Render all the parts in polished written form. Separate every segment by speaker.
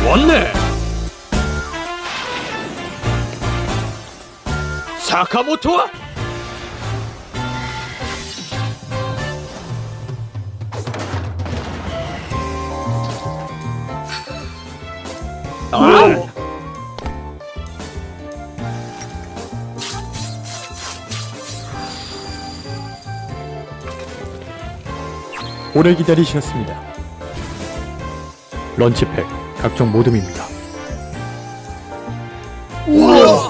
Speaker 1: 왔네. 사카모토와
Speaker 2: 오래 기다리셨습니다. 런치팩 각종 모듬입니다.
Speaker 3: 우와!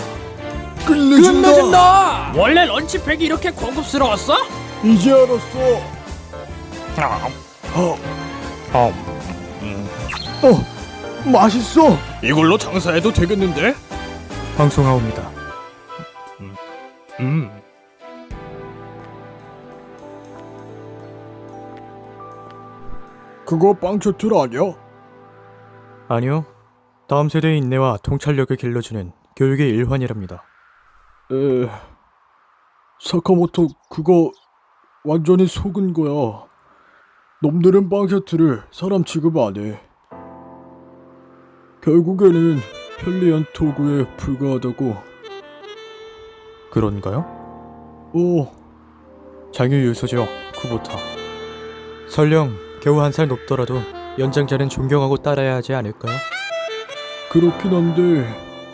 Speaker 3: 끝내준다!
Speaker 1: 원래 런치팩이 이렇게 고급스러웠어?
Speaker 3: 이제 알았어. 맛있어.
Speaker 1: 이걸로 장사해도 되겠는데?
Speaker 2: 방송하옵니다.
Speaker 3: 그거 빵 셔틀 아니야?
Speaker 2: 아니요. 다음 세대의 인내와 통찰력을 길러주는 교육의 일환이랍니다.
Speaker 3: 사카모토 그거 완전히 속은 거야. 놈들은 빵 셔틀을 사람 취급 안 해. 결국에는 편리한 도구에 불과하다고.
Speaker 2: 그런가요? 장유유소죠, 쿠보타. 설령 겨우 한 살 높더라도 연장자는 존경하고 따라야 하지 않을까요?
Speaker 3: 그렇긴 한데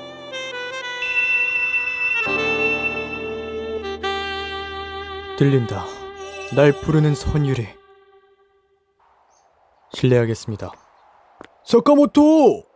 Speaker 2: 들린다. 날 부르는 선율이. 실례하겠습니다.
Speaker 3: 사카모토!